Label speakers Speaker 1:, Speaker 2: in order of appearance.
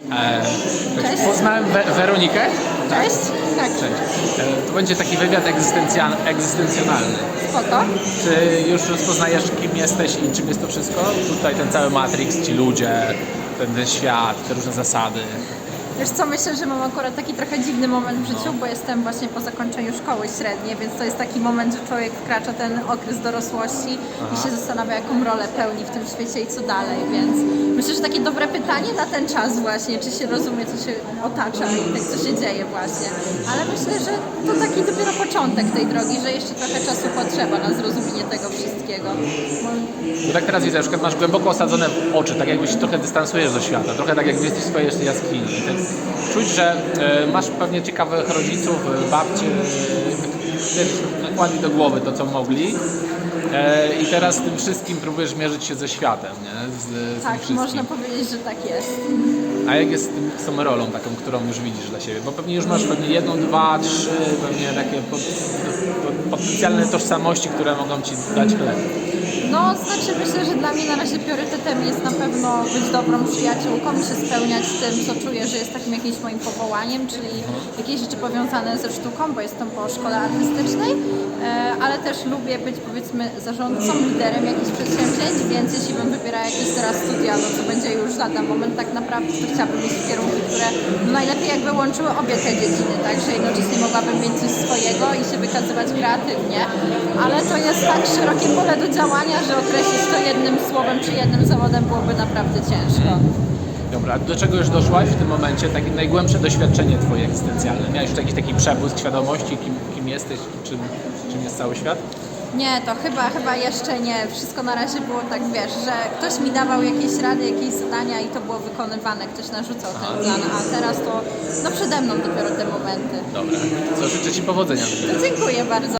Speaker 1: Cześć.
Speaker 2: Poznałem Weronikę.
Speaker 1: Cześć. Tak.
Speaker 2: Cześć. To będzie taki wywiad egzystencjonalny.
Speaker 1: Spoko.
Speaker 2: Czy już rozpoznajesz, kim jesteś i czym jest to wszystko? Tutaj ten cały Matrix, ci ludzie, ten świat, te różne zasady.
Speaker 1: Wiesz co, myślę, że mam akurat taki trochę dziwny moment w życiu, bo jestem właśnie po zakończeniu szkoły średniej, więc to jest taki moment, że człowiek wkracza ten okres dorosłości i się zastanawia, jaką rolę pełni w tym świecie i co dalej, więc myślę, że takie dobre pytanie na ten czas właśnie, czy się rozumie, co się otacza i tak, co się dzieje właśnie. Ale myślę, że to taki dopiero początek tej drogi, że jeszcze trochę czasu potrzeba na zrozumienie tego wszystkiego.
Speaker 2: Bo tak teraz widzę, na przykład masz głęboko osadzone w oczy, tak jakbyś trochę dystansujesz do świata, trochę tak jakby jesteś w swojej jeszcze jaskini. Tak czuć, że masz pewnie ciekawych rodziców, babcie, nakładli do głowy to, co mogli. I teraz z tym wszystkim próbujesz mierzyć się ze światem, nie? Z
Speaker 1: Tak,
Speaker 2: tym wszystkim.
Speaker 1: można powiedzieć, że tak jest.
Speaker 2: A jak jest z tą rolą taką, którą już widzisz dla siebie? Bo pewnie już masz jedną, dwa, trzy, pewnie takie potencjalne tożsamości, które mogą ci dać chleb.
Speaker 1: No, znaczy myślę, że dla mnie na razie priorytetem jest na pewno być dobrą przyjaciółką i się spełniać z tym, co czuję, że jest takim jakimś moim powołaniem, czyli jakieś rzeczy powiązane ze sztuką, bo jestem po szkole artystycznej, ale też lubię być, powiedzmy, zarządcą, liderem jakichś przedsięwzięć, więc jeśli bym wybierała jakieś teraz studia, no to będzie już lada moment tak naprawdę, to chciałabym mieć kierunki, które najlepiej jakby łączyły obie te dziedziny, tak, że jednocześnie mogłabym mieć coś swojego i się wykazywać kreatywnie, ale to jest tak szerokie pole do działania, że określić to jednym słowem czy jednym zawodem byłoby naprawdę ciężko.
Speaker 2: Dobra, a do czego już doszłaś w tym momencie? Takie najgłębsze doświadczenie twoje egzystencjalne? Miałeś już jakiś taki przebłysk świadomości, kim jesteś i czym jest cały świat?
Speaker 1: Nie, to chyba jeszcze nie. Wszystko na razie było tak, wiesz, że ktoś mi dawał jakieś rady, jakieś zadania i to było wykonywane, ktoś narzucał ten plan, a teraz to no przede mną dopiero te momenty.
Speaker 2: Dobra, co życzę ci powodzenia.
Speaker 1: Dziękuję bardzo.